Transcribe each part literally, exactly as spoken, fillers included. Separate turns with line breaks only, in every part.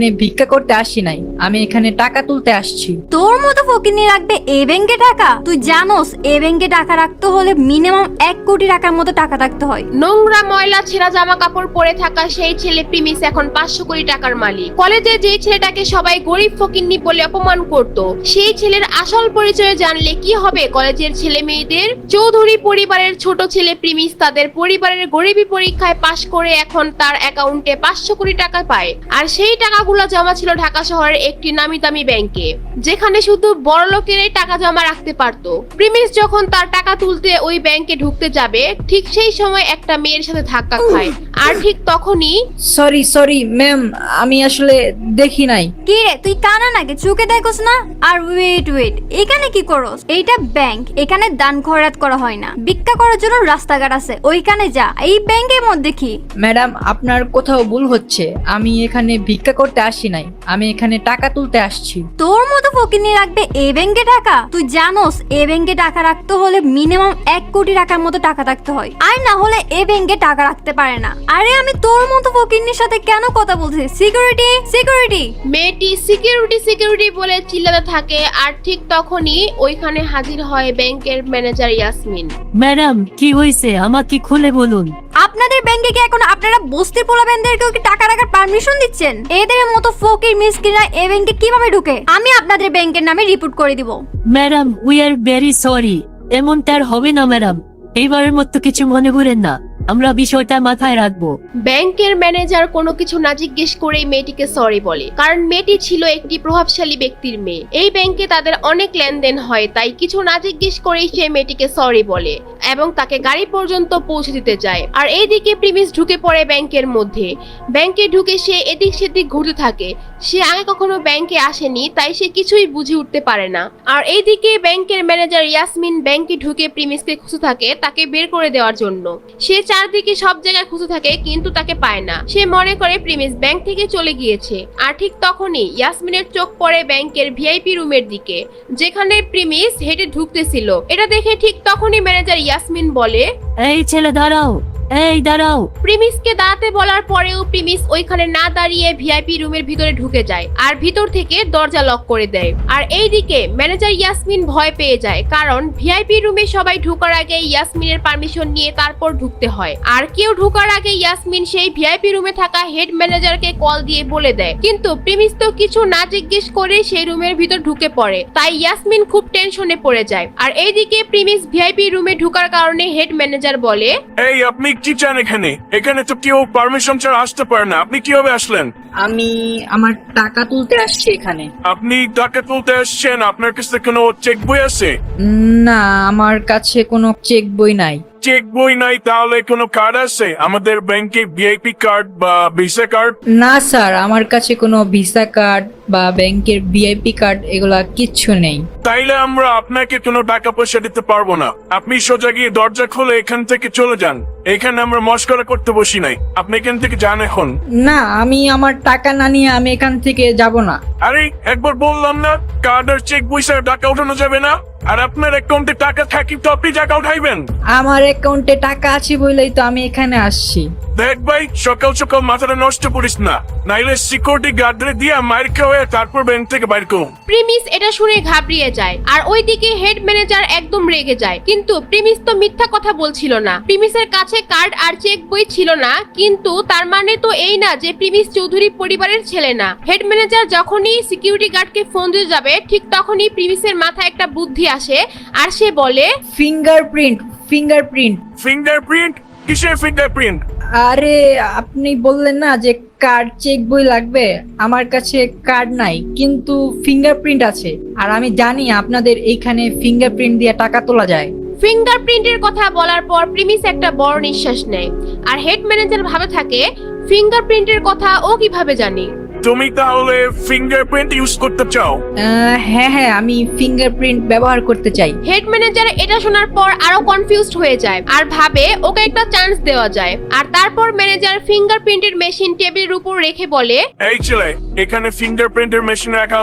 ভিক্ষা করতে আসি নাই, আমি এখানে টাকা তুলতে আসছি।
তোর মতো ফকিনি রাখবে এই ব্যাংকে টাকা? তুই জানোস এই ব্যাংকে টাকা রাখতে হলে মিনিমাম এক কোটি টাকার মতো টাকা রাখতে হয়।
নোংরা ময়লা ছেঁড়া জামা কাপড় পরে থাকা সেই ছেলে প্রিমিস এখন পাঁচশো কোটি টাকার মালিক। কলেজে যে ছেলেটাকে সবাই গরিব ফকিন্নি বলে অপমান করত, সেই ছেলের আসল পরিচয় জানলে কি হবে কলেজের ছেলে মেয়েদের? চৌধুরী পরিবারের ছোট ছেলে প্রিমিস তাদের পরিবারের গরিবী পরীক্ষায় পাশ করে এখন তার অ্যাকাউন্টে পাঁচশো কোটি টাকা পায়। আর সেই টাকাগুলো জমা ছিল ঢাকা শহরের একটি নামি দামি ব্যাংকে, যেখানে শুধু বড় লোকেরাই টাকা জমা রাখতে পারত। প্রিমিস যখন তার টাকা তুলতে ওই ব্যাংকে ঢুকতে যাবে, ঠিক সেই সময় একটা মেয়ের সাথে ধাক্কা খায়। আর ঠিক তখনই
সরি সরি ম্যাম, আমি আসলে দেখি নাই।
কি রে, তুই কানা নাকি? চোখে দেখোস না? আর ওয়েট ওয়েট, এখানে কি করস? এইটা ব্যাংক, এখানে দান খয়রাত করা হয় না। ভিক্ষা করার জন্য রাস্তাঘাট আছে, ওইখানে যা। এই ব্যাংকের মধ্যে কি?
ম্যাডাম, আপনার কোথাও ভুল হচ্ছে। আমি এখানে ভিক্ষা করতে আসি নাই, আমি এখানে টাকা তুলতে আসছি।
তোর মতো ফকিনি রাখবে এই ব্যাংকে টাকা? তুই জানোস এই ব্যাংকে টাকা রাখতে হলে মিনিমাম এক কোটি টাকার মতো টাকা রাখতে হয়, আর না হলে এই ব্যাংকে টাকা রাখতে পারে না। আরে আমি তোর মতো ফকিনির সাথে কেন কথা বলছি? Security security.
মেয়েটি সিকিউরিটি সিকিউরিটি বলে চিল্লাতে থাকে। আর ঠিক তখনই ওইখানে হাজির হয় ব্যাংকের ম্যানেজার ইয়াসমিন।
ম্যাডাম, কি হয়েছে আমাকে খুলে বলুন।
আপনাদের ব্যাংকে কি এখন আপনারা বস্তির পোলাবেনদেরকেও কি টাকা রাখার পারমিশন দিচ্ছেন? এদের মতো ফকির মিসকিনরা এই ব্যাংকে কিভাবে ঢুকে? আমি আপনাদের ব্যাংকের নামে রিপোর্ট করে দিব।
Madam, we are very sorry. এমনটা আর হবে না ম্যাডাম, এইবারের মতো কিছু মনে করেন না, আমরা বিষয়টা মাথায় রাখবো।
ব্যাংকের ম্যানেজার কোনো কিছু না জিজ্ঞেস করেই মেয়েটিকে সরি বলে, কারণ মেয়েটি ছিল একটি প্রভাবশালী ব্যক্তির মেয়ে। এই ব্যাংকে তাদের অনেক লেনদেন হয়, তাই কিছু না জিজ্ঞেস করেই সে মেয়েটিকে সরি বলে এবং তাকে গাড়ি পর্যন্ত পৌঁছে দিতে যায়। আর এইদিকে প্রিমিস ঢুকে পড়ে ব্যাংকের মধ্যে। ব্যাংকে ঢুকে সে এদিক সেদিক ঘুরতে থাকে। সে আগে কখনো ব্যাংকে আসেনি, তাই সে কিছুই বুঝে উঠতে পারে না। আর এইদিকে ব্যাংকের ম্যানেজার ইয়াসমিন ব্যাংকে ঢুকে প্রিমিসকে খুঁজে থাকে তাকে বের করে দেওয়ার জন্য। সে চারদিকে সব জায়গায় খুঁজে থাকে কিন্তু তাকে পায় না। সে মনে করে প্রিমিস ব্যাংক থেকে চলে গিয়েছে। আর ঠিক তখনই ইয়াসমিনের চোখ পড়ে ব্যাংকের ভিআইপি রুমের দিকে, যেখানে প্রিমিস হেঁটে ঢুকতেছিল। এটা দেখে ঠিক তখনই ম্যানেজার ইয়াসমিন বলে,
এই ছেলে দাঁড়াও, এই দাঁড়াও।
প্রিমিসকে দাঁড়াতে বলার পরেও প্রিমিস ওইখানে না দাঁড়িয়ে ভিআইপি রুমের ভিতরে ঢুকে যায় আর ভিতর থেকে দরজা লক করে দেয়। আর এইদিকে ম্যানেজার ইয়াসমিন ভয় পেয়ে যায়, কারণ ভিআইপি রুমে সবাই ঢোকার আগে ইয়াসমিনের পারমিশন নিয়ে তারপর ঢুকতে হয়। আর কেউ ঢোকার আগে ইয়াসমিন সেই ভিআইপি রুমে থাকা হেড ম্যানেজারকে কল দিয়ে বলে দেয়, কিন্তু প্রিমিস তো কিছু না জিজ্ঞেস করে সেই রুমের ভিতর ঢুকে পড়ে। তাই ইয়াসমিন খুব টেনশনে পড়ে যায়। আর এইদিকে প্রিমিস ভিআইপি রুমে ঢোকার কারণে হেড ম্যানেজার বলে,
এই আপনি কি চান এখানে? এখানে তো কেউ পারমিশন ছাড়া আসতে পারে না, আপনি কিভাবে আসলেন?
আমি আমার টাকা তুলতে আসছি এখানে।
আপনি টাকা তুলতে আসছেন, আপনার কাছে কোনো চেক বই আছে?
না, আমার কাছে কোনো চেক বই নাই।
চেক বই নাই, তাহলে কোনো কার্ড আছে আমাদের ব্যাংকে, ভিআইপি কার্ড বা ভিসা কার্ড?
না স্যার, আমার কাছে কোনো ভিসা কার্ড বা ব্যাংকের ভিআইপি কার্ড এগুলা কিচ্ছু নেই।
তাইলে আমরা আপনাকে কোনো টাকা পয়সা দিতে পারবো না। আপনি সোজা গিয়ে দরজা খুলে এখান থেকে চলে যান। এখানে আমরা মস্করা করতে বসি নাই, আপনি এখান থেকে যান এখন।
না, আমি আমার টাকা না নিয়ে আমি এখান থেকে যাব না।
আরে একবার বললাম না, কার্ড আর চেক বই ছাড়া টাকা উঠানো যাবে না। আর আপনার অ্যাকাউন্টে টাকা থাকি তো আপনি টাকা উঠাইবেন।
আমার অ্যাকাউন্টে টাকা আছে বলেই তো আমি এখানে আসছি।
দেখ ভাই, সকাল সকাল মাথাটা নষ্ট করিস না, নাইলে সিকিউরিটি গার্ডরে দিয়ে মার খাওয়া তারপর ব্যাংক থেকে বাইর করুন।
প্রিমিস এটা শুনে ঘাবড়িয়ে যায়। আর ওইদিকে হেড ম্যানেজার একদম রেগে যায়, কিন্তু প্রিমিস তো মিথ্যা কথা বলছিল না। প্রিমিসের কাছে কার্ড আর চেক বই ছিল না, কিন্তু তার মানে তো এই না যে প্রিমিস চৌধুরী পরিবারের ছেলে না। হেড ম্যানেজার যখনই সিকিউরিটি গার্ডকে ফোন দিয়ে যাবে, ঠিক তখনই প্রিমিসের মাথায় একটা বুদ্ধি আসে আর সে বলে,
ফিঙ্গারপ্রিন্ট ফিঙ্গারপ্রিন্ট
ফিঙ্গারপ্রিন্ট? কিসের ফিঙ্গারপ্রিন্ট?
আরে আপনি বললেন না যে কার্ড চেক বই লাগবে, আমার কাছে কার্ড নাই কিন্তু ফিঙ্গারপ্রিন্ট আছে। আর আমি জানি আপনাদের এইখানে ফিঙ্গারপ্রিন্ট দিয়ে টাকা তোলা যায়।
ফিঙ্গারপ্রিন্টের কথা বলার পর প্রিমিস একটা বড় নিঃশ্বাস নেয়। আর হেড ম্যানেজার ভাবে থাকে, ফিঙ্গারপ্রিন্টের কথা ও কিভাবে জানে?
তুমি তাহলে ফিঙ্গারপ্রিন্ট ইউজ করতে চাও?
আহ, হ্যাঁ হ্যাঁ, আমি ফিঙ্গারপ্রিন্ট ব্যবহার করতে চাই।
হেড ম্যানেজার এটা শোনার পর আরো কনফিউজড হয়ে যায় আর ভাবে ওকে একটা চান্স দেওয়া যায়। আর তারপর ম্যানেজার ফিঙ্গারপ্রিন্টের মেশিন টেবিলের উপর রেখে বলে,
এই ছেলে, এখানে ফিঙ্গারপ্রিন্টের মেশিন রাখা আছে,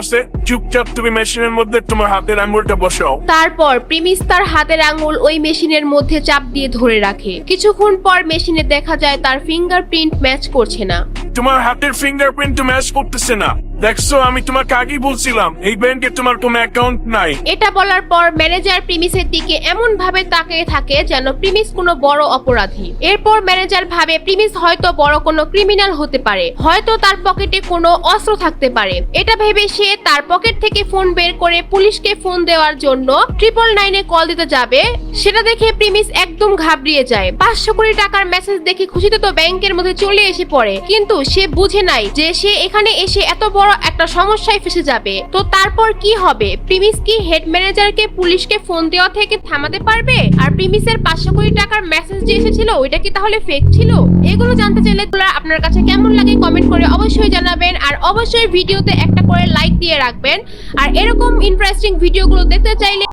চুপচাপ তুমি মেশিনের মধ্যে তোমার হাতের আঙ্গুলটা বসাও।
তারপর প্রিমিস তার হাতের আঙুল ওই মেশিনের মধ্যে চাপ দিয়ে ধরে রাখে। কিছুক্ষণ পর মেশিনে দেখা যায় তার ফিঙ্গারপ্রিন্ট ম্যাচ করছে না।
তোমার হাতের ফিঙ্গারপ্রিন্ট তো ম্যাচ করতেছে না। দেখছো, আমি তোমাকে আগেই বলছিলাম এই ব্যাংকে তোমার কোনো অ্যাকাউন্ট নাই।
এটা বলার পর ম্যানেজার প্রিমিসের দিকে এমন ভাবে তাকিয়ে থাকে যেন প্রিমিস কোনো বড় অপরাধী। এরপর ম্যানেজার ভাবে প্রিমিস হয়তো বড় কোনো ক্রিমিনাল হতে পারে, হয়তো তার পকেটে কোনো অস্ত্র থাকতে পারে। এটা ভেবে সে তার পকেট থেকে ফোন বের করে পুলিশকে ফোন দেওয়ার জন্য ট্রিপল নাইনে কল দিতে যাবে। সেটা দেখে প্রিমিস একদম ঘাবড়িয়ে যায়। পাঁচশো কোটি টাকার মেসেজ দেখে খুশিতে তো ব্যাংকের মধ্যে চলে এসে পড়ে, কিন্তু সে বুঝে নাই যে সে এখানে এসে এত বড় একটা সমস্যায় ফেসে যাবে। তো তারপর কি হবে? প্রিমিস কি হেড ম্যানেজারকে পুলিশকে ফোন দেওয়া থেকে থামাতে পারবে? আর প্রিমিসের পাঁচশো কোটি টাকার মেসেজ যে এসেছিল ওইটা কি তাহলে ফেক ছিল? এগুলো জানতে চাইলে আপনার কাছে কেমন লাগে কমেন্ট করে অবশ্যই জানাবেন। আর অবশ্যই ভিডিওতে একটা করে লাইক দিয়ে রাখবেন। আর এরকম ইন্টারেস্টিং ভিডিওগুলো দেখতে চাইলে